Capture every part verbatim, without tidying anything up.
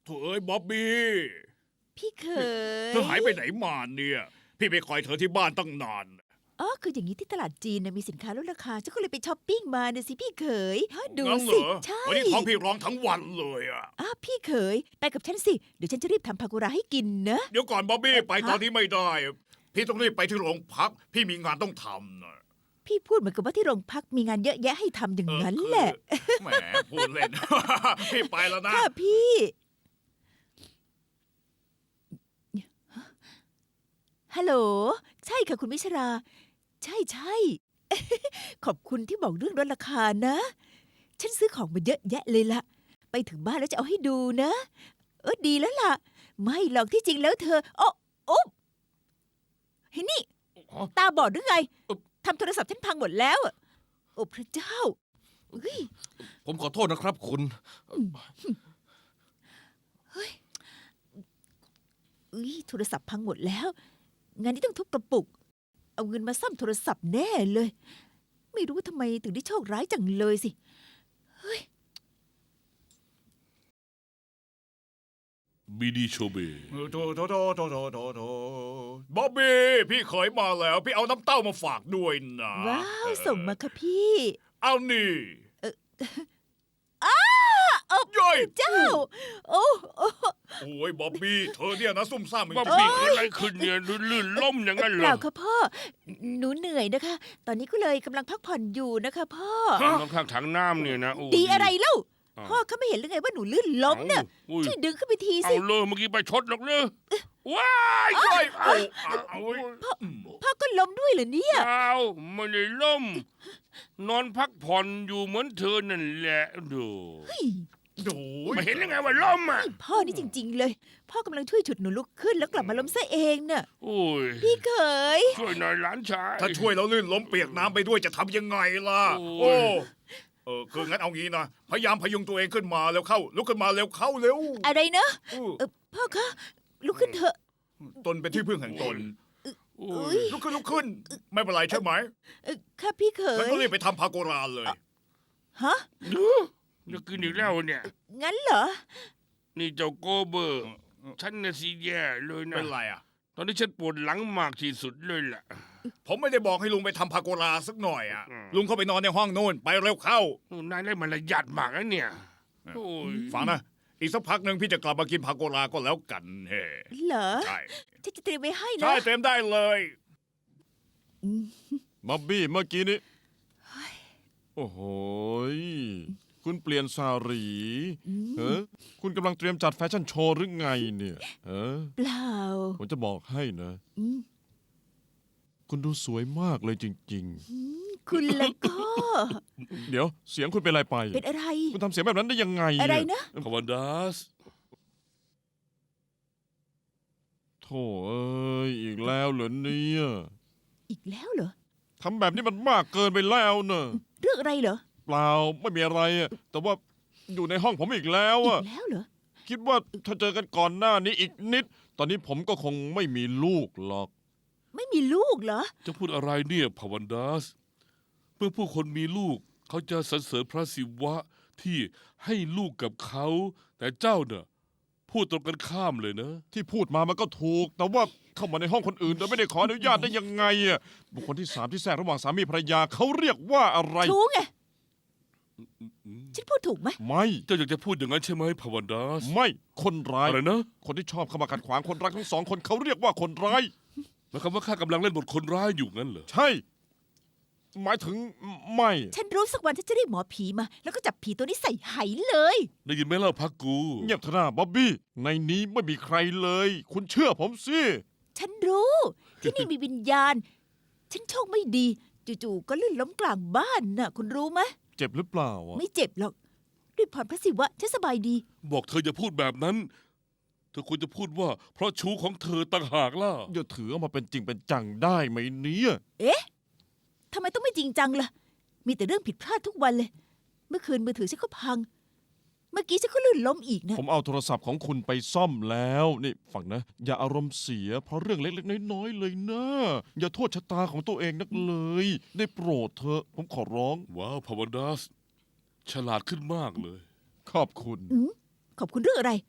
โถ่เอ้ยบ๊อบบี้พี่เขยเธอหายไปไหนมาเนี่ย พี่ไปคอยเธอที่บ้านตั้งนานอ๋อคืออย่างนี้ที่ตลาดจีนนะมีสินค้าลดราคาฉันก็เลยไปช้อปปิ้งมาเนี่ยสิพี่เขยฮะดูงั้นเหรสิอใช่วันนี้ท้องพี่ร้องทั้งวันเลยอะอ้าวพี่เขยไปกับฉันสิเดี๋ยวฉันจะรีบทำพากุราให้กินนะเดี๋ยวก่อนบ๊อบบี้ไปฮะตอนนี้ไม่ได้ พี่ต้องรีบไปที่โรงพัก พี่มีงานต้องทำนะพี่พูดเหมือนกับว่าที่โรงพักมีงานเยอะแยะให้ทำอย่างเออนั้นคือแหละแหมพูดเล่น พี่ไปแล้วนะค่ะพี่ฮัลโหลใช่ค่ะคุณวิชรา ใช่ใช่ ขอบคุณที่บอกเรื่องลดราคานะ ฉันซื้อของมาเยอะแยะเลยละไปถึงบ้านแล้วจะเอาให้ดูนะ เออดีแล้วล่ะ ไม่หรอกที่จริงแล้วเธอโอ้โอ้เฮ้ยนี่อ๋อตาบอดหรือไงเอ่อทำโทรศัพท์ฉันพังหมดแล้วอะโอ้พระเจ้าเฮ้ยผมขอโทษนะครับคุณเฮ้ยโทรศัพท์พังหมดแล้ว งานนี้ต้องทุบกระปุก เอาเงินมาซ่อมโทรศัพท์แน่เลย ไม่รู้ว่าทำไมถึงได้โชคร้ายจังเลยสิ เฮ้ยบีดีโชเบโถโถโถโถโถโถโถบ๊อบบี้พี่เคยมาแล้ว พี่เอาน้ำเต้ามาฝากด้วยนะว้าว ส่งมาค่ะพี่เอานี่โอ้ย่อยเจ้า โอ้โอ้โอ้ยบ๊อบบี้เธอเนี่ยนะซุ่มซ่ามจริงๆบ๊อบบี้เกิดอะไรขึ้นเนี่ยลื่นล้มอย่างนั้นเปเหรล่าอค่ะพ่อ หนูเหนื่อยนะคะ ตอนนี้ก็เลยกำลังพักผ่อนอยู่นะคะพ่อข้างถังน้ำเนี่ยนะโอ้ดีอะไรเล่าอ้าวพ่อเขาไม่เห็นหรือไงว่าหนูลื่นล้มเนี่ยอาอุ้ยช่วยดึงขึ้นไปทีเอาสิเลยเมื่อกี้ไปชดหรอกเนอะว้ายย่อยเอาเอาเอาพ่อก็ล้มด้วยเหรอเนี่ยเอาไม่ได้ล้ม นอนพักผ่อนอยู่เหมือนเธอนั่นแหละดูโอ้ยไม่เห็นยังไงว่าล้มอ่ะพ่อนี่จริง ๆ เลย พ่อกำลังช่วยฉุดหนูลุกขึ้นแล้วกลับมาล้มซะเองน่ะโอ้ยพี่เขยช่วยหน่อยหลานชายถ้าช่วยแล้วลื่นล้มเปียกน้ำไปด้วยจะทำยังไงล่ะโอ้โอ้ยเออคืองั้นเอางี้นะ พยายามพยุงตัวเองขึ้นมาแล้วเข้า ลุกขึ้นมาเร็วเข้าเร็วอะไรนะอู้เออพ่อคะลุกขึ้นเถอะตนเป็นที่พึ่งแห่งตนโอ้อุ๊ยยลุกขึ้นลุกขึ้น ไม่เป็นไรใช่ไหมเออค่ะพี่เขแล้วยก็รีบไปทำพาโกราเลยฮะดูจะกินอีกแล้วเนี่ยงั้นเหรอนี่เจ้าโกเบอร์ ฉันน่ะสิแย่เลยนะเป็นไรอ่ะตอนนี้ฉันปวดหลังมากที่สุดเลยล่ะผมไม่ได้บอกให้ลุงไปทำพาโกราสักหน่อยอ่ะอืมลุงเข้าไปนอนในห้องโน่นไปเร็วเข้าโอ้นายได้มารยาทมากนะเนี่ย โอ้ยฟังนะ อีกสักพักหนึ่งพี่จะกลับมากินพาโกราก็แล้วกันเฮ้เหรอใช่ฉันจะเตรียมไว้ให้นะใช่เต็มได้เลยอืมบ๊อบบี้เมื่อกี้นี้โอ้โหยคุณเปลี่ยนสารีอืมเฮ้คุณกำลังเตรียมจัดแฟชั่นโชว์หรือไงเนี่ยเออเปล่าผมจะบอกให้นะอืมคุณดูสวยมากเลยจริงอืมคุณแล้วก็ๆ เดี๋ยวเสียงคุณเป็นอะไรไปเป็นอะไรคุณทำเสียงแบบนั้นได้ยังไงอะไรเนี่ยนะคาวันดัสโธ่เอ้ยอีกแล้วเหรอเนี่ยอีกแล้วเหรอทำแบบนี้มันมากเกินไปแล้วเนอะเรื่องอะไรเหรอเปล่าไม่มีอะไรอะแต่ว่าอยู่ในห้องผมอีกแล้วอีอะกแล้วเหรอคิดว่าถ้าเจอกันก่อนหน้านี้อีกนิด ตอนนี้ผมก็คงไม่มีลูกหรอกไม่มีลูกเหรอจะพูดอะไรเนี่ยพาวันดัส เมื่อผู้คนมีลูก เขาจะสรรเสริญพระศิวะที่ให้ลูกกับเขา แต่เจ้าเนี่ยพูดตรงกันข้ามเลยนะที่พูดมามันก็ถูก แต่ว่าเข้ามาในห้องคนอื่นโดยไม่ได้ขออนุญาตได้ยังไงอะบุคคลที่สามที่แทรกระหว่างสามีภรรยาเขาเรียกว่าอะไรชู้ไง ฉันพูดถูกไหมไม่เจ้าอยากจะพูดอย่างนั้นใช่ไหมพาวันดัสไม่คนร้ายอะไรนะคนที่ชอบเข้ามาขัดขวางคนรักทั้งสองคนเขาเรียกว่าคนร้ายหมายความว่าข้ากำลังเล่นบทคนร้ายอยู่งั้นเหรอใช่ หมายถึงไม่ฉันรู้สักวันฉันจะเรียกหมอผีมา แล้วก็จับผีตัวนี้ใส่ไหเลยได้ยินไหมเล่าพักกูเงียบเถอะนะบ๊อบบี้ในนี้ไม่มีใครเลย คุณเชื่อผมสิฉันรู้ ที่นี่มีวิญญาณ ฉันโชคไม่ดี จู่ๆก็ลื่นล้มกลางบ้านน่ะ คุณรู้ไหมเจ็บหรือเปล่าอะไม่เจ็บหรอก ด้วยพรพระศิวะฉันสบายดีบอกเธออย่าพูดแบบนั้น เธอควรจะพูดว่า เพราะชู้ของเธอต่างหากล่ะอย่าถือเอามาเป็นจริงเป็นจังได้ไหมเนี่ยเอ๊ะทำไมต้องไม่จริงจังล่ะ มีแต่เรื่องผิดพลาดทุกวันเลย เมื่อคืนมือถือฉันก็พัง เมื่อกี้ฉันก็ลื่นล้มอีกนะผมเอาโทรศัพท์ของคุณไปซ่อมแล้ว นี่ฟังนะ อย่าอารมณ์เสีย เพราะเรื่องเล็กๆน้อยๆเลยนะ อย่าโทษชะตาของตัวเองนักเลย ได้โปรดเถอะผมขอร้องว้าวพาวันดัส ฉลาดขึ้นมากเลยขอบคุณอืมขอบคุณเรื่องอะไร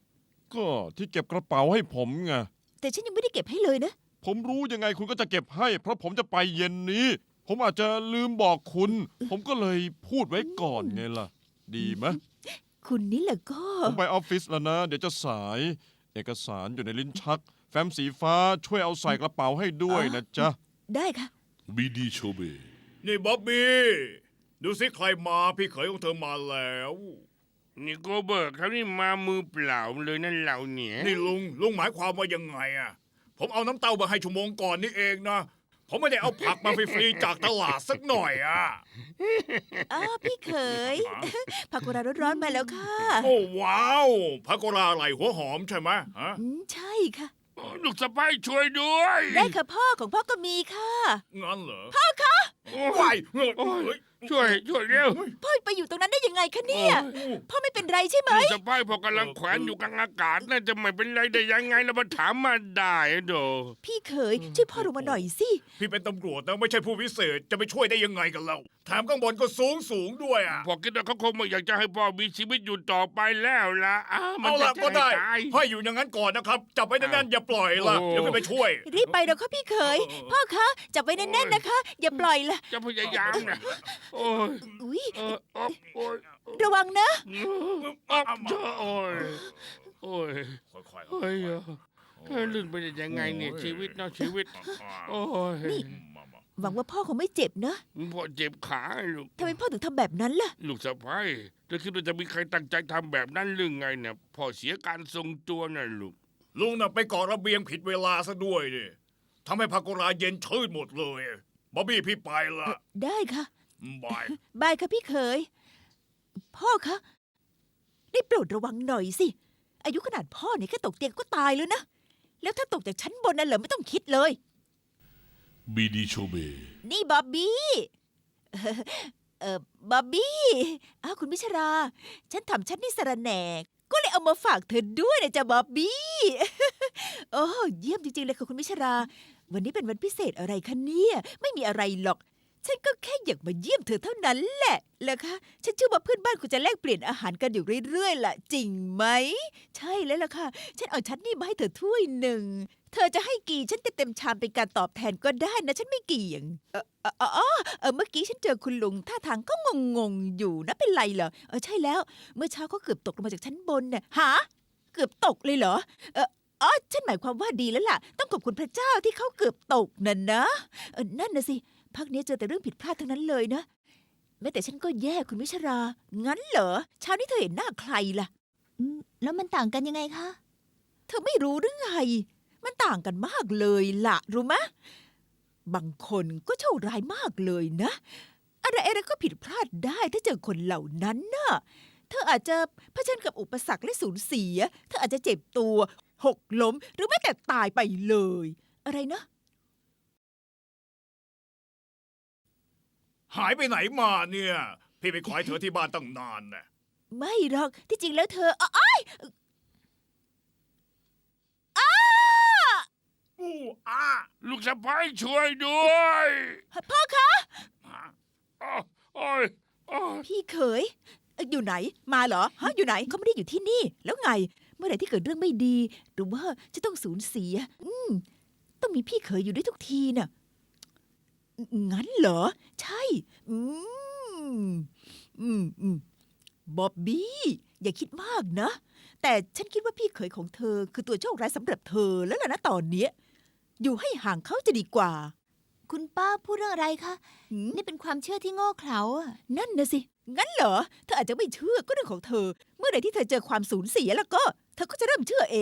ก็ที่เก็บกระเป๋าให้ผมไงแต่ฉันยังไม่ได้เก็บให้เลยนะผมรู้ยังไงคุณก็จะเก็บให้ เพราะผมจะไปเย็นนี้ ผมอาจจะลืมบอกคุณ ผมก็เลยพูดไว้ก่อนไงล่ะ ดีไหมคุณนี่แหละก็ผมไปออฟฟิศแล้วนะ เดี๋ยวจะสาย เอกสารอยู่ในลิ้นชัก แฟ้มสีฟ้าช่วยเอาใส่กระเป๋าให้ด้วยนะจ๊ะได้ค่ะบีดีโชเบนี่บ๊อบบี้ดูสิใครมาพี่เขยของเธอมาแล้วนี่โกเบิร์กเขานี่มามือเปล่าเลยนั่นเราเนี่ยนี่ลุงลุงหมายความว่ายังไงอะผมเอาน้ำเต้ามาให้ชั่วโมงก่อนนี่เองนะผมไม่ได้เอาผักมาฟรีๆจากตลาดสักหน่อยอะอ้าวพี่เขย ผักกุหลาบร้อนๆมาแล้วค่ะโอ้ว้าวพาโกราไหลหัวหอมใช่ไหมฮะอืมใช่ค่ะลูกสะพ้ายช่วยด้วยได้ค่ะพ่อของพ่อก็มีค่ะงั้นเหรอโอ้วาย ยเฮ้ยโอ้ยเฮ้ยช่วยช่วยเร็วพ่อไปอยู่ตรงนั้นได้ยังไงคะเนี่ย พ่อไม่เป็นไรใช่ไหมลูกสะพ้ายพอกำลังแขวนอยู่กลางอากาศน่าจะไม่เป็นไรได้ยังไงแล้วมาถามมาได้อะโดพี่เขยช่วยพ่อลงมาหน่อยสิพี่เป็นตำรวจนะไม่ใช่ผู้พิเศษจะไปช่วยได้ยังไงกันเราแถมข้างบนก็สูงสูงด้วยอ่ะพอคิดว่าเขาคงไม่อยากจะให้พ่อมีชีวิตอยู่ต่อไปแล้วล่ะอ้าวมันเอาจะละก็ได้ตายให้อยู่อย่างนั้นก่อนนะครับจับไว้แน่นๆอย่าปล่อยล่ะโอ้เดี๋ยวพี่ไปช่วยรีบไปเดี๋ยวค่ะพี่เขย พ่อคะจับไว้แน่นๆนะคะ อย่าปล่อยละจะพยายามนะโอ้ยอุ้ยเอออ๊อบโอ้ยระวังนะอ๊อบเจอโอ้ยโอ้ยค่อยๆเฮ้ยเออเธอลื่นไปได้ยังไงเนี่ยชีวิตเนาะชีวิต โอ้ยมามาหวังว่าพ่อคงไม่เจ็บนะพ่อเจ็บขาลูกทำไมพ่อถึงทำแบบนั้นล่ะลูกสะพ้ายเธอคิดว่าจะมีใครตั้งใจทำแบบนั้นหรือไงเนี่ยพ่อเสียการทรงตัวน่ะลูกลุงน่ะไปก่อระเบียงผิดเวลาซะด้วยดิทำให้พาโกราเย็นชืดหมดเลยบ๊อบบี้พี่ไปละได้ค่ะบายบายค่ะพี่เขย พ่อคะได้โปรดระวังหน่อยสิ อายุขนาดพ่อเนี่ยแค่ตกเตียงก็ตายแล้วนะ แล้วถ้าตกจากชั้นบนน่ะเหรอไม่ต้องคิดเลยบีดีโชเบนี่บ๊อบบี้ เอ่อเออบ๊อบบี้อ้าวคุณพิชรา ฉันทำฉันนี่สระแหนก ก็เลยเอามาฝากเธอด้วยนะจ๊ะบ๊อบบี้ โอ้เยี่ยมจริงๆเลยค่ะคุณพิชรา วันนี้เป็นวันพิเศษอะไรคะเนี่ย ไม่มีอะไรหรอก ฉันก็แค่อยากมาเยี่ยมเธอเท่านั้นแหละแล้วคะฉันเชื่อว่าเพื่อนบ้านคุณจะแลกเปลี่ยนอาหารกันอยู่เรื่อยๆล่ะ จริงไหม ใช่แล้วล่ะค่ะ ฉันเอาชันนี่มาให้เธอถ้วยหนึ่ง เธอจะให้กี่ฉันเต็มๆชามเป็นการตอบแทนก็ได้นะ ฉันไม่เกี่ยง เออเออเออเออเออเมื่อกี้ฉันเจอคุณลุงท่าทางก็งงๆอยู่นะเป็นไรเหรอ เออใช่แล้ว เมื่อเช้าเขาเกือบตกลงมาจากชั้นบนน่ะหาเกือบตกเลยเหรอ เอออ๋อฉันหมายความว่าดีแล้วล่ะ ต้องขอบคุณพระเจ้าที่เขาเกือบตกนั่นนะเออนั่นนะสิ พักนี้เจอแต่เรื่องผิดพลาดทั้งนั้นเลยนะ แม้แต่ฉันก็แย่คุณวิชรา งั้นเหรอเช้านี้เธอเห็นหน้าใครล่ะแล้วมันต่างกันยังไงคะเธอไม่รู้หรือไง มันต่างกันมากเลยล่ะ รู้ไหมะบางคนก็โชคร้ายมากเลยนะ อะไรอะไรก็ผิดพลาดได้ถ้าเจอคนเหล่านั้นน่ะ เธออาจจะเผชิญกับอุปสรรคและสูญเสีย เธออาจจะเจ็บตัว หกล้ม หรือแม้แต่ตายไปเลย อะไรนะหายไปไหนมาเนี่ย พี่ไปขอให้เธอที่บ้านตั้งนานน่ะไม่หรอก ที่จริงแล้วเธออ้ายอู้อ้าลูกสะพ้ายช่วยด้วยพ่อคะอ้าวโอ้ยโอ้ยพี่เขยเอ่ออยู่ไหน มาเหรอ ฮะ อยู่ไหน เขาไม่ได้อยู่ที่นี่ แล้วไง เมื่อไหร่ที่เกิดเรื่องไม่ดี หรือว่าจะต้องสูญเสีย อืม ต้องมีพี่เขยอยู่ด้วยทุกทีน่ะ งั้นเหรอ ใช่ อืม อืมอืมบ๊อบบี้ อย่าคิดมากนะ แต่ฉันคิดว่าพี่เขยของเธอ คือตัวโชคร้ายสำหรับเธอแล้วล่ะนะตอนเนี้ย อยู่ให้ห่างเขาจะดีกว่าคุณป้าพูดเรื่องอะไรคะหืมนี่เป็นความเชื่อที่โง่เขลาอะนั่นนะสิ งั้นเหรอ เธออาจจะไม่เชื่อก็เรื่องของเธอ เมื่อใดที่เธอเจอความสูญเสียแล้วก็ เธอก็จะเริ่มเชื่อเอง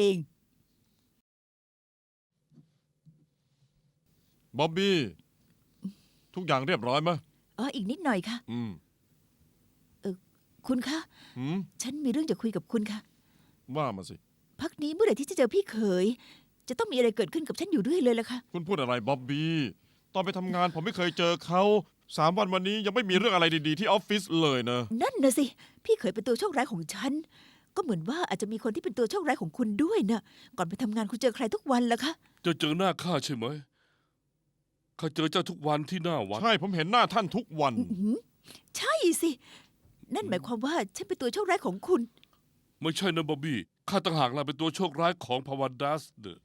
บ๊อบบี้ ทุกอย่างเรียบร้อยไหมอ๋อ อีกนิดหน่อยค่ะอืมคุณคะหืมฉันมีเรื่องจะคุยกับคุณค่ะว่ามาสิพักนี้เมื่อไหร่ที่จะเจอพี่เขย จะต้องมีอะไรเกิดขึ้นกับฉันอยู่เรื่อยเลยล่ะค่ะคุณพูดอะไรบ๊อบบี้ ตอนไปทำงานผมไม่เคยเจอเขาสามวันวันนี้ยังไม่มีเรื่องอะไรดีๆที่ออฟฟิศเลยนะนั่นนะสิ พี่เขยเป็นตัวโชคร้ายของฉัน ก็เหมือนว่าอาจจะมีคนที่เป็นตัวโชคร้ายของคุณด้วยนะก่อนไปทำงานคุณเจอใครทุกวันล่ะคะจะเจอหน้าข้าใช่ไหมข้าเจอเจ้าทุกวันที่หน้าวัดใช่ผมเห็นหน้าท่านทุกวันอื้อหือใช่สิ นั่นหมายความว่าฉันเป็นตัวโชคร้ายของคุณไม่ใช่นะบ๊อบบี้ข้าข้าต่างหากล่ะเป็นตัวโชคร้ายของพาวันดัสเนอะ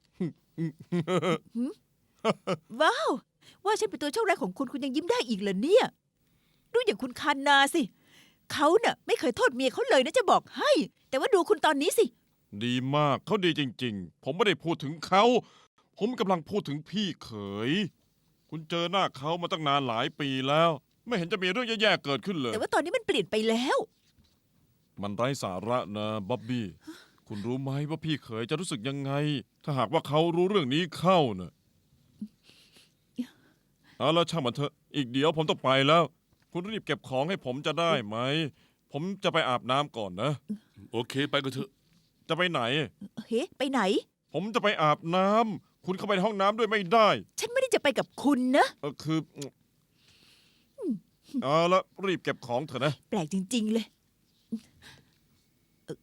ว้าว ว่าฉันเป็นตัวโชคร้ายของคุณคุณยังยิ้มได้อีกเหรอเนี่ยดูอย่างคุณคันนาสิเขาเน่ะไม่เคยโทษเมียเขาเลยนะจะบอกให้ แต่ว่าดูคุณตอนนี้สิดีมากเขาดีจริง ๆ ผมไม่ได้พูดถึงเขา ผมกำลังพูดถึงพี่เขย คุณเจอหน้าเขามาตั้งนานหลายปีแล้ว ไม่เห็นจะมีเรื่องแย่ๆเกิดขึ้นเลยแต่ว่าตอนนี้มันเปลี่ยนไปแล้วมันไร้สาระนะบ๊อบบี้ คุณรู้ไหมว่าพี่เขยจะรู้สึกยังไง ถ้าหากว่าเขารู้เรื่องนี้เข้าเนะเอาแล้วช่างมันเถอะอีกเดี๋ยวผมต้องไปแล้ว คุณรีบเก็บของให้ผมจะได้ไหม ผมจะไปอาบน้ำก่อนนะโอเคไปกันเถอะจะไปไหนเฮ้ไปไหนผมจะไปอาบน้ำคุณเข้าไปในห้องน้ำด้วยไม่ได้ฉันไม่ได้จะไปกับคุณนะเออคือเอาละรีบเก็บของเถอะนะแปลกจริง ๆ เลยเอ่อ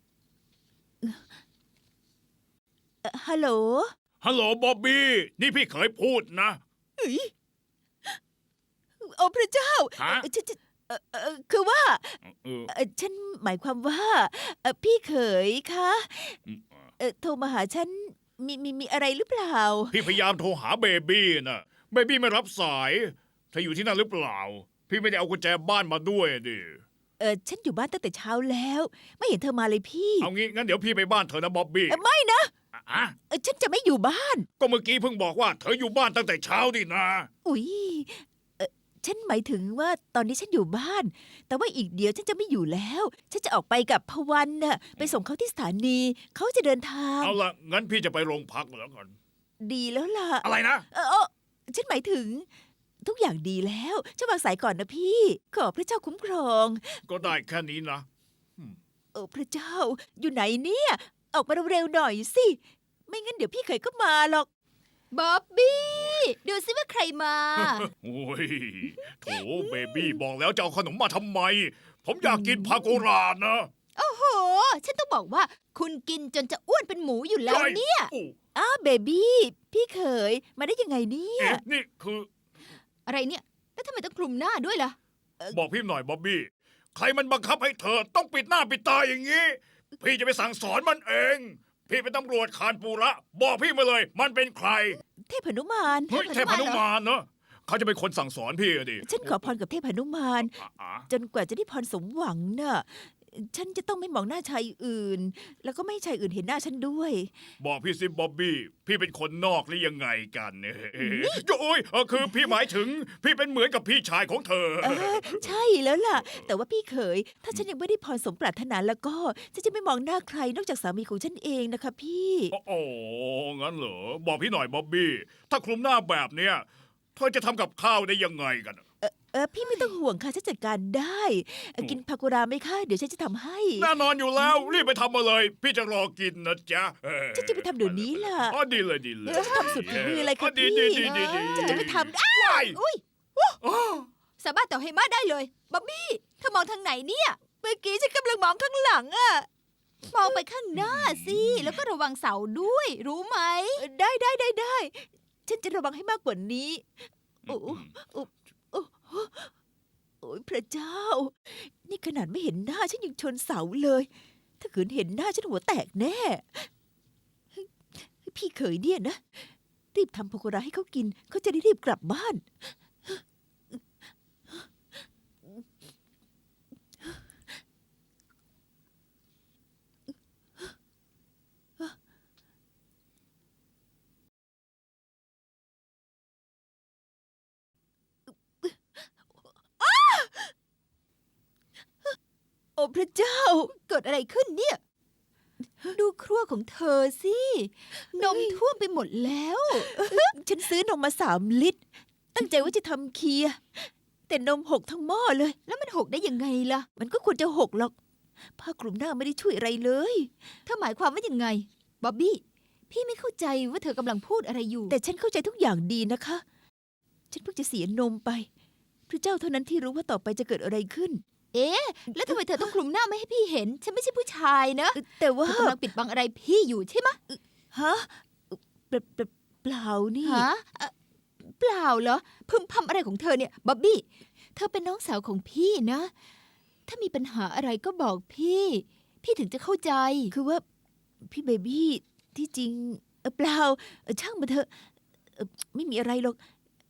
เอ่อฮัลโหลฮัลโหลบ๊อบบี้ นี่พี่เคยพูดนะเอ้ยโอ้พระเจ้าฮะเอ่อฉันฉันเอ่อเอ่อคือว่าเออเอ่อฉันหมายความว่าเอ่อพี่เขยคะเอ่อโทรมาหาฉันมีมีมีอะไรหรือเปล่าพี่พยายามโทรหาเบบี้นะเบบี้ไม่รับสายเธออยู่ที่นั่นหรือเปล่า พี่ไม่ได้เอากุญแจบ้านมาด้วยดิเออฉันอยู่บ้านตั้งแต่เช้าแล้ว ไม่เห็นเธอมาเลยพี่เอางี้งั้นเดี๋ยวพี่ไปบ้านเธอนะบ๊อบบี้เอ่อไม่นะอ่ะเอ่อฉันจะไม่อยู่บ้านก็เมื่อกี้เพิ่งบอกว่าเธออยู่บ้านตั้งแต่เช้าดินะอุ๊ยเอ่อฉันหมายถึงว่าตอนนี้ฉันอยู่บ้าน แต่ว่าอีกเดี๋ยวฉันจะไม่อยู่แล้ว ฉันจะออกไปกับพวันน่ะไปส่งเขาที่สถานี เขาจะเดินทางเอาละงั้นพี่จะไปโรงพักแล้วกันดีแล้วล่ะอะไรนะเออเออฉันหมายถึง ทุกอย่างดีแล้วฉันวางสายก่อนนะพี่ ขอพระเจ้าคุ้มครองก็ได้แค่นี้นะเออพระเจ้า อยู่ไหนเนี่ย ออกมาเร็วๆหน่อยสิ ไม่งั้นเดี๋ยวพี่เคยก็มาหรอกบ๊อบบี้ ดูซิว่าใครมาโอ้ยโถเบบี้บอกแล้วจะเอาขนมมาทำไม ผมอยากกินพาโกรานะโอ้โห ฉันต้องบอกว่า คุณกินจนจะอ้วนเป็นหมูอยู่แล้วเนี่ยโอ้อ้าวเบบี้พี่เขยมาได้ยังไงเนี่ยเอ๊ะนี่คืออะไรเนี่ย แล้วทำไมต้องคลุมหน้าด้วยล่ะบอกพี่หน่อยบ๊อบบี้ ใครมันบังคับให้เธอต้องปิดหน้าปิดตาอย่างนี้ พี่จะไปสั่งสอนมันเอง พี่เป็นตำรวจคานปูระ บอกพี่มาเลย มันเป็นใครเทพนุมานเฮ้ยเทพนุมานเนอะเขาจะเป็นคนสั่งสอนพี่อะดิฉันขอพรกับเทพนุมานอ่ะอ่ะจนกว่าจะได้พรสมหวังน่ะ ฉันจะต้องไม่มองหน้าชายอื่น แล้วก็ไม่ให้ชายอื่นเห็นหน้าฉันด้วยบอกพี่สิบ๊อบบี้ พี่เป็นคนนอกหรือยังไงกันเนี่ยโอ้ยเออคือพี่หมายถึง พี่เป็นเหมือนกับพี่ชายของเธอเออใช่แล้วล่ะ แต่ว่าพี่เขย ถ้าฉันยังไม่ได้พรสมปรารถนาแล้วก็ฉันจะไม่มองหน้าใครนอกจากสามีของฉันเองนะคะพี่โอ้งั้นเหรอ บอกพี่หน่อยบ๊อบบี้ ถ้าคลุมหน้าแบบเนี้ยเธอจะทำกับข้าวได้ยังไงกันเออเออพี่ไม่ต้องห่วงค่ะฉันจัดการได้เอ่อกินพากุราไหมคะ เดี๋ยวฉันจะทำให้แน่นอนอยู่แล้ว รีบไปทำมาเลย พี่จะรอกินนะจ๊ะเออฉันจะไปทำเดี๋ยวนี้ล่ะอ๋อดีเลยดีเลยฉันจะทำสุดฝีมือเลยค่ะดีพี่ดีดีดีดีฉันจะไปทำอ้าว้ายอุ้ยอ้อสามารถต่อให้มาได้เลย บ๊อบบี้เธอมองทางไหนเนี่ยเมื่อกี้ฉันกำลังมองข้างหลังอ่ะมองไปข้างหน้าสิ แล้วก็ระวังเสาด้วย รู้ไหมเออได้ได้ได้ได้ ฉันจะระวังให้มากกว่านี้ โอ้โอ้โอ้โอ้โอ้ยพระเจ้า นี่ขนาดไม่เห็นหน้าฉันยังชนเสาเลย ถ้าขืนเห็นหน้าฉันหัวแตกแน่ พี่เขยเนี่ยนะ รีบทำพากุราให้เขากิน เขาจะได้รีบกลับบ้าน โอ้พระเจ้าเกิดอะไรขึ้นเนี่ย ดูครัวของเธอสิ นมท่วมไปหมดแล้วฉันซื้อนมมาสามลิตร ตั้งใจว่าจะทำเคียร์แต่นมหกทั้งหม้อเลยแล้วมันหกได้ยังไงล่ะมันก็ควรจะหกหรอก ผ้าคลุมหน้าไม่ได้ช่วยอะไรเลยเธอหมายความว่ายังไง บ๊อบบี้ พี่ไม่เข้าใจว่าเธอกำลังพูดอะไรอยู่แต่ฉันเข้าใจทุกอย่างดีนะคะ ฉันเพิ่งจะเสียนมไป พระเจ้าเท่านั้นที่รู้ว่าต่อไปจะเกิดอะไรขึ้นเอ๊ะ แล้วทำไมเธอต้องคลุมหน้าไม่ให้พี่เห็น ฉันไม่ใช่ผู้ชายนะแต่เธว่าอกำลังปิดบังอะไรพี่อยู่ใช่ไหมะฮะเปล่าเปล่าเปล่านี่ฮะเอ่อเปล่าเหรอ พึมพำอะไรของเธอเนี่ย บ๊อบบี้ เธอเป็นน้องสาวของพี่นะ ถ้ามีปัญหาอะไรก็บอกพี่ พี่ถึงจะเข้าใจคือว่าพี่เบบี้ที่จริงเอ่อเปล่าเอ่อช่างมาเถอะเอ่อไม่มีอะไรหรอก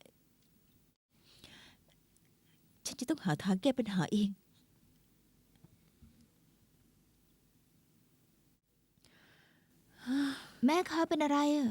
ฉันจะต้องหาทางแก้ปัญหาเองแม่คะเป็นอะไรอะ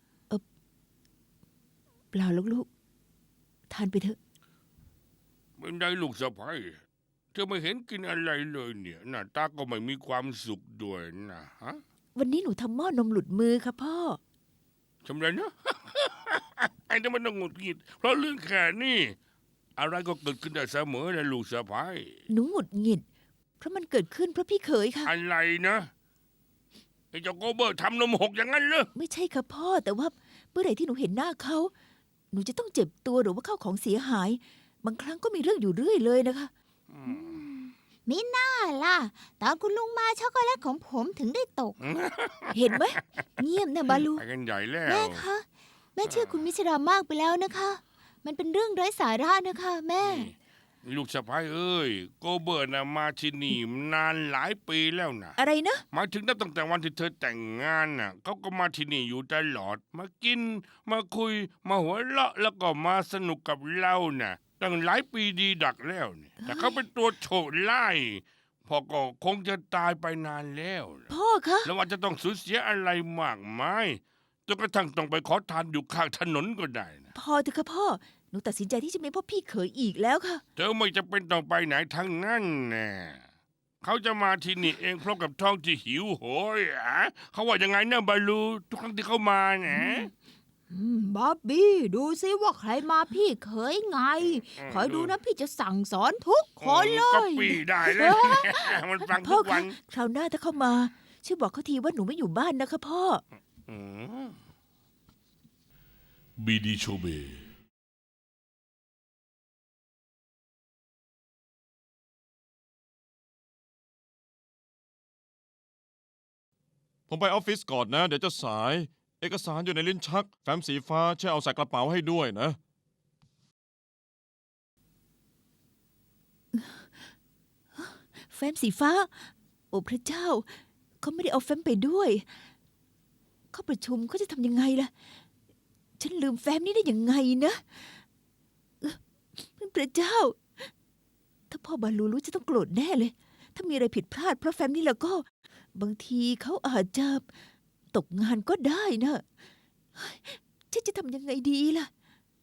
เปล่าหรอกลูก ทานไปเถอะเป็นไงลูกสะพ้ายเธอไม่เห็นกินอะไรเลยเนี่ยหน้าตาก็ไม่มีความสุขด้วยนะฮะวันนี้หนูทำหม้อนมหลุดมือค่ะพ่อทำไรนะ ไอ้นี่มันต้องหงุดหงิดเพราะเรื่องแค่นี้อะไรก็เกิดขึ้นได้เสมอนะลูกสะพ้ายหนูหงุดหงิด เพราะมันเกิดขึ้นเพราะพี่เขยค่ะอะไรนะไอ้เจ้าโกเบอร์ทำนมหกอย่างนั้นเหรอไม่ใช่ค่ะพ่อ แต่ว่าเมื่อไหร่ที่หนูเห็นหน้าเขา หนูจะต้องเจ็บตัวหรือว่าเข้าของเสียหาย บางครั้งก็มีเรื่องอยู่เรื่อยเลยนะคะมิน่าล่ะ ตอนคุณลุงมาช็อกโกแลตของผมถึงได้ตกเห็นไหมเงียบนะบาลูไปกันใหญ่แล้วแม่คะ แม่เชื่อคุณมิชรามากไปแล้วนะคะ มันเป็นเรื่องไร้สาระนะคะ แม่นี่ลูกสะพ้ายเอ้ยโกเบอร์นะมาที่นี่นานหลายปีแล้วนะอะไรนะหมายถึงนับตั้งแต่วันที่เธอแต่งงานน่ะเขาก็มาที่นี่อยู่ตลอด มากิน มาคุย มาหัวเราะแล้วก็มาสนุกกับเราน่ะ ตั้งหลายปีดีดักแล้วเนี่ยแต่เขาเป็นตัวโฉดไล่พ่อก็คงจะตายไปนานแล้วล่ะพ่อคะแล้วว่าจะต้องสูญเสียอะไรมากมายจนกระทั่งต้องไปขอทานอยู่ข้างถนนก็ได้นะพอเถอะค่ะพ่อ หนูตัดสินใจที่จะไม่พบพี่เขยอีกแล้วค่ะเธอไม่จะเป็นต้องไปไหนทั้งนั้นแน่เขาจะมาที่นี่เองเพราะกับท้องที่หิวโหยอ่ะเขาว่ายังไงนะบาลูทุกครั้งที่เขามานะอืมบ๊อบบี้ ดูซิว่าใครมาพี่เคยไง คอยดูนะพี่จะสั่งสอนทุกคนเลก็ยปีได้เลย มันฟังพ่ทุอกวัคะนคราวหน้าถ้าเข้ามา ช่วยบอกเขาทีว่าหนูไม่อยู่บ้านนะคะพ่ออืมบีดีโชเบผมไปออฟฟิศก่อนนะ เดี๋ยวจะสาย เอกสารอยู่ในลิ้นชัก แฟ้มสีฟ้าช่วยเอาใส่กระเป๋าให้ด้วยนะแฟ้มสีฟ้า โอ้พระเจ้า เขาไม่ได้เอาแฟ้มไปด้วย เขาประชุมเขาจะทำยังไงล่ะ ฉันลืมแฟ้มนี้ได้ยังไงนะเอ่อพระเจ้า ถ้าพ่อบาลูรู้จะต้องโกรธแน่เลย ถ้ามีอะไรผิดพลาดเพราะแฟ้มนี้แล้วก็ บางทีเขาอาจจะตกงานก็ได้นะเฮ้ยฉันจะทำยังไงดีล่ะ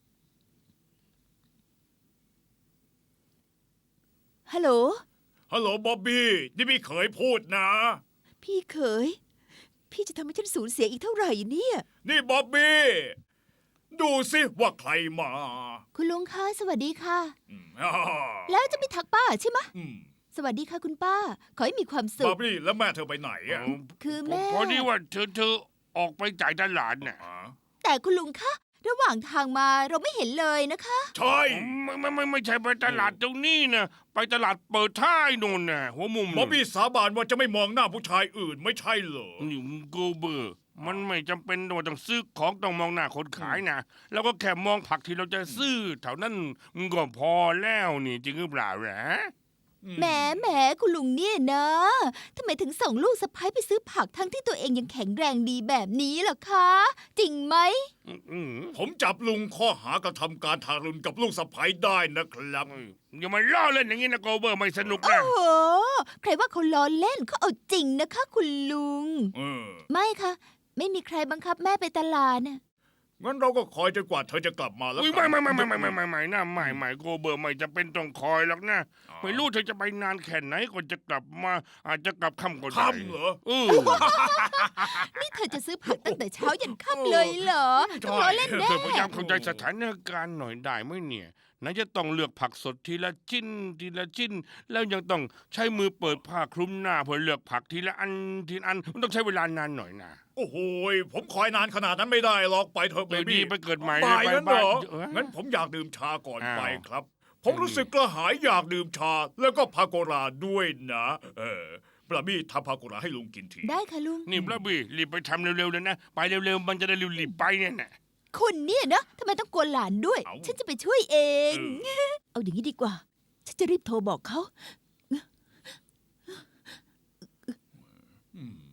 ฮัลโหลฮัลโหลบ๊อบบี้นี่พี่เขยพูดนะพี่เขย พี่จะทำให้ฉันสูญเสียอีกเท่าไหร่เนี่ยนี่บ๊อบบี้ดูสิว่าใครมาคุณลุงคะสวัสดีค่ะอืมอ่าแล้วจะไม่ทักป้าใช่ไหมอืมสวัสดีค่ะคุณป้า ขอให้มีความสุบ๊อขบบี้แล้วแม่เธอไปไหนอ่ะคือผมแม่พอดีว่าเธอเธอออกไปจ่ายตลาดน่ะอ๋อแต่คุณลุงคะ ระหว่างทางมาเราไม่เห็นเลยนะคะใช่ไม่ไม่ไม่ไม่ใช่ไปตลาดตรงนี้นะไปตลาดเปิดท้ายนู่นน่ะหัวมุมบ๊อบบี้สาบานว่าจะไม่มองหน้าผู้ชายอื่นไม่ใช่เหรอนี่โกเบอร์ มันไม่จำเป็นว่าต้องซื้อของต้องมองหน้าคนขายนะแล้วก็แค่มองผักที่เราจะซื้อเท่านั้นมันก็พอแล้วนี่จริงหรือเปล่าแหละแหมแหมคุณลุงเนี่ยนะทำไมถึงส่งลูกสะใภ้ไปซื้อผักทั้งที่ตัวเองยังแข็งแรงดีแบบนี้ล่ะคะ จริงไหมอืมผมจับลุงข้อหากระทำการทารุณกับลูกสะใภ้ได้นะครับอย่ามาล้อเล่นอย่างนี้นะโกเบอร์ไม่สนุกโอ้นะโห ใครว่าเขาล้อเล่นเขาเอาจริงนะคะ คุณลุงเออไม่ค่ะ ไม่มีใครบังคับแม่ไปตลาดน่ะงั้นเราก็คอยจนกว่าเธอจะกลับมาแล้วอุ้ยกัไม่นไม่ไม่ไม่ไม่ไม่ไม่ไม่นะไม่ไม่โกเบอร์ไม่จะเป็นต้องคอยหรอกนะอ๋อไม่รู้เธอจะไปนานแค่ไหนก่อนจะกลับมา อาจจะกลับค่ำก็ได้ค่ำเหรอเออนี่เธอจะซื้อผักตั้งแต่เช้ายันค่ำเลยเหรอต้องล้อเล่นแน่เธอพยายามเข้าใจสถานการณ์หน่อยได้ไหมเนี่ยไหนจะต้องเลือกผักสดทีละชิ้นทีละชิ้น แล้วยังต้องใช้มือเปิดผ้าคลุมหน้าเพื่อเลือกผักทีละอันทีละอันมันต้องใช้เวลานานหน่อยนะโอ้โหยผมคอยนานขนาดนั้นไม่ได้หรอกไปเถอะเอเบอดีบี้ไปเกิดใหม่บ่ายไปนั้นเหรอเอองั้นผมอยากดื่มชาก่อนอ้าวไปครับ ผมรู้สึกกระหายอยากดื่มชา แล้วก็พาโกราด้วยนะ เออปลาบี้ทำพาโกราให้ลุงกินทีได้ค่ะลุงนี่บลับบี้รีบไปทำเร็วๆเลยนะ ไปเร็วๆมันจะได้รีบๆไปเนี่ยนะคุณเนี่ยนะทำไมต้องกวนหลานด้วยเอ้าฉันจะไปช่วยเองเออเอาอย่างนี้ดีกว่า ฉันจะรีบโทรบอกเขาอืมช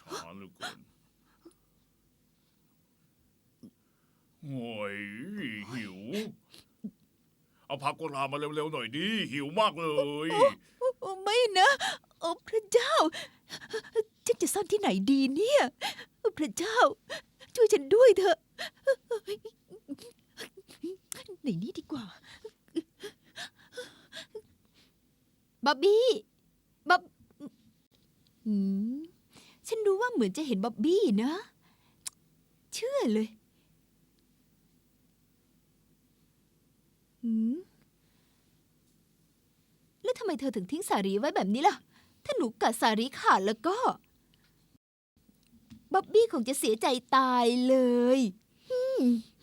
ช้าเหลือเกินโอ้ยหิว เอาผักกุหลาบมาเร็วๆหน่อยดิ หิวมากเลยโอ้ไม่นะโอ้พระเจ้า ฉันจะซ่อนที่ไหนดีเนี่ยโอ้พระเจ้า ช่วยฉันด้วยเถอะในนี้ดีกว่าบ๊อบบี้บ๊อบอืมฉันรู้ว่าเหมือนจะเห็นบ๊อบบี้นะ เชื่อเลยอืมแล้วทำไมเธอถึงทิ้งสารีไว้แบบนี้ล่ะ ถ้าหนูกัดสารีขาดแล้วก็ บ๊อบบี้คงจะเสียใจตายเลยอืม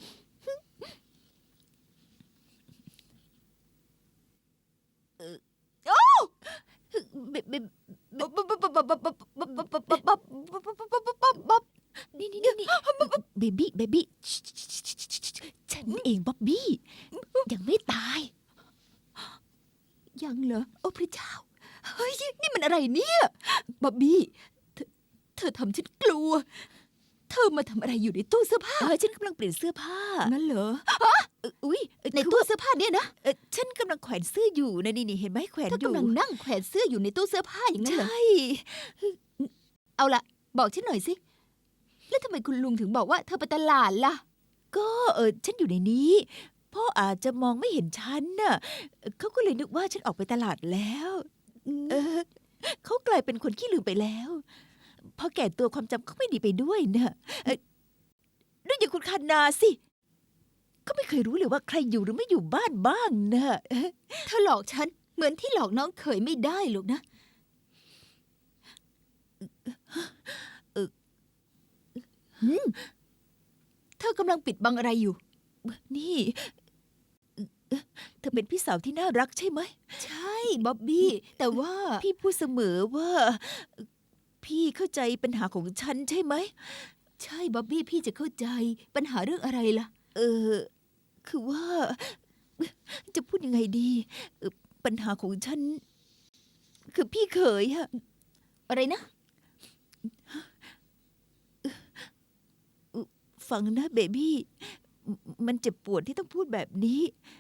เอ่อโอ้เบเบบ๊อบบ๊อบบ๊อบบ๊อบบ๊อบบ๊อบบ๊อบบ๊อบบ๊อบบ๊อบบ๊อบบ๊อบนี่นี่นี่นี่เบบี้เบบี้ฉันเองบ๊อบบี้ยังไม่ตายยังเหรอ โอ้พระเจ้า เฮ้ย นี่มันอะไรเนี่ย บ๊อบบี้ เธอเธอทำฉันกลัว เธอมาทำอะไรอยู่ในตู้เสื้อผ้าเออฉันกำลังเปลี่ยนเสื้อผ้างั้นเหรอเอออุ้ยเออในคือตู้ว่าเสื้อผ้าเนี่ยนะเออฉันกำลังแขวนเสื้ออยู่นะนี่นี่เห็นไหมแขวนเธออยู่กำลังนั่งแขวนเสื้ออยู่ในตู้เสื้อผ้าอย่างนั้นเหรอใช่เอาล่ะ บอกฉันหน่อยสิ แล้วทำไมคุณลุงถึงบอกว่าเธอไปตลาดล่ะก็เออฉันอยู่ในนี้พ่ออาจจะมองไม่เห็นฉันน่ะเขาก็เลยนึกว่าฉันออกไปตลาดแล้ว เออเขากลายเป็นคนขี้ลืมไปแล้วพอแก่ตัวความจำเขาไม่ดีไปด้วยน่ะเอ่อด้วยอย่างคุณคานาสิเขาไม่เคยรู้เลยว่าใครอยู่หรือไม่อยู่บ้านบ้างน่ะเธอหลอกฉัน เหมือนที่หลอกน้องเขยไม่ได้หรอกนะเออหืมเธอกำลังปิดบังอะไรอยู่นี่เอ่อเธอเป็นพี่สาวที่น่ารักใช่ไหมใช่บ๊อบบี้ แต่ว่าพี่พูดเสมอว่า พี่เข้าใจปัญหาของฉันใช่ไหมใช่บ๊อบบี้พี่จะเข้าใจปัญหาเรื่องอะไรล่ะเออ คือว่า จะพูดยังไงดีเอ่อปัญหาของฉัน คือพี่เขยอะอะไรนะฟังนะเบบี้มมันเจ็บปวดที่ต้องพูดแบบนี้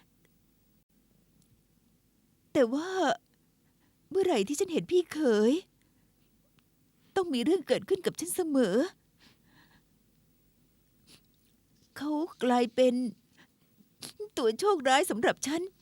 แต่ว่า เมื่อไหร่ที่ฉันเห็นพี่เขย ต้องมีเรื่องเกิดขึ้นกับฉันเสมอ เขากลายเป็น ตัวโชคร้ายสำหรับฉัน